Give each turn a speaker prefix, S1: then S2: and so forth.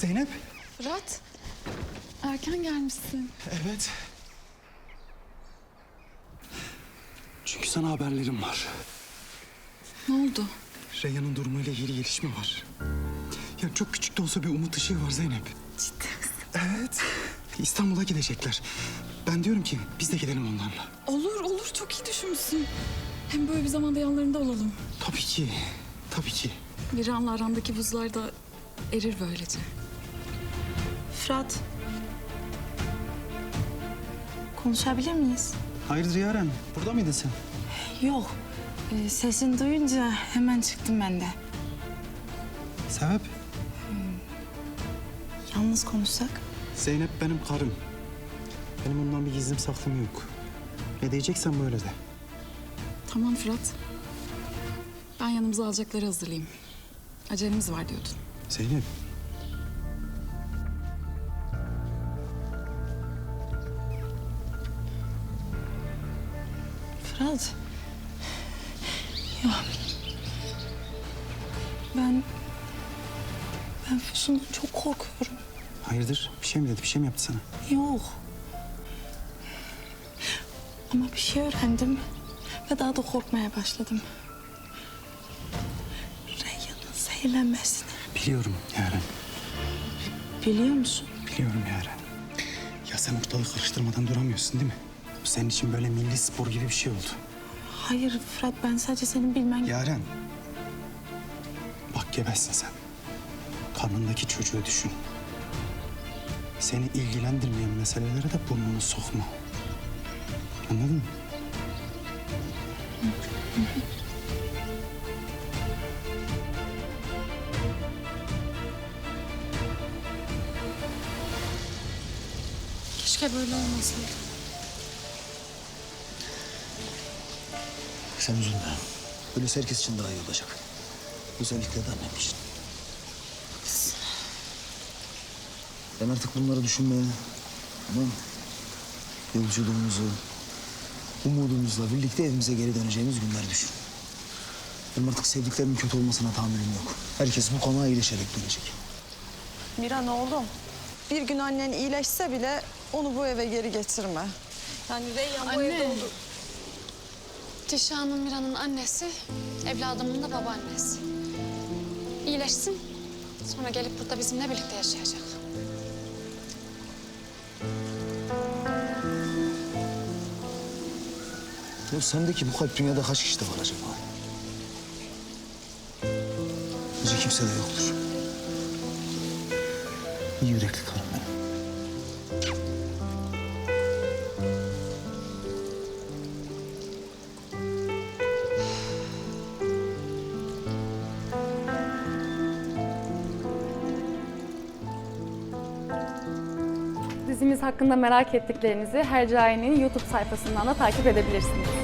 S1: Zeynep.
S2: Fırat, erken gelmişsin.
S1: Evet. Çünkü sana haberlerim var.
S2: Ne oldu?
S1: Reyhan'ın durumuyla ilgili gelişme var. Ya çok küçük de olsa bir umut ışığı var Zeynep.
S2: Ciddi misin?
S1: Evet. İstanbul'a gidecekler. Ben diyorum ki biz de gidelim onlarla.
S2: Olur, çok iyi düşünmüşsün. Hem böyle bir zamanda yanlarında olalım.
S1: Tabii ki. Tabii ki.
S2: Miran'la arandaki buzlar da erir böylece.
S3: Fırat. Konuşabilir miyiz?
S1: Hayırdır Yaren? Burada mıydın sen?
S3: Yok. Sesini duyunca hemen çıktım ben de.
S1: Sebep?
S3: Yalnız konuşsak?
S1: Zeynep benim karım. Benim ondan bir gizlim saklım yok. Ne diyeceksen böyle de.
S2: Tamam Fırat. Ben yanımıza alacakları hazırlayayım. Acelemiz var diyordun.
S1: Zeynep.
S3: Fırat. Ya. Ben Füsun'dan çok korkuyorum.
S1: Hayırdır? Bir şey mi dedi? Bir şey mi yaptı sana?
S3: Yok. Ama bir şey öğrendim ve daha da korkmaya başladım. Reyhan'ın zehirlenmesini.
S1: Biliyorum Yaren.
S3: Biliyor musun?
S1: Biliyorum Yaren. Ya sen ortalığı karıştırmadan duramıyorsun değil mi? Bu senin için böyle milli spor gibi bir şey oldu.
S3: Hayır Fırat, ben sadece senin bilmen...
S1: Yaren. Bak gebesin sen. Karnındaki çocuğu düşün. Seni ilgilendirmeyen meselelere de burnunu sokma. Anladın mı?
S2: Keşke böyle olmasaydı.
S4: Sen üzülme. Böylesi herkes için daha iyi olacak. Özellikle de annem için. Ben artık bunları düşünmeye, tamam mı? Yolculuğumuzu, umudumuzla birlikte evimize geri döneceğimiz günler düşün. Benim artık sevdiklerimin kötü olmasına tahammülüm yok. Herkes bu konağa iyileşerek dönecek.
S5: Miran oğlum, bir gün annen iyileşse bile onu bu eve geri getirme. Yani Reyhan bu evde olur.
S6: Dişan'ın Miran'ın annesi, evladımın da babaannesi. İyileşsin, sonra gelip burada bizimle birlikte yaşayacak.
S4: Ya sendeki bu kalp dünyada kaç kişide var acaba? Bence kimse de yoktur. İyi yürekli karım benim.
S7: Dizimiz hakkında merak ettiklerinizi Hercai'nin YouTube sayfasından da takip edebilirsiniz.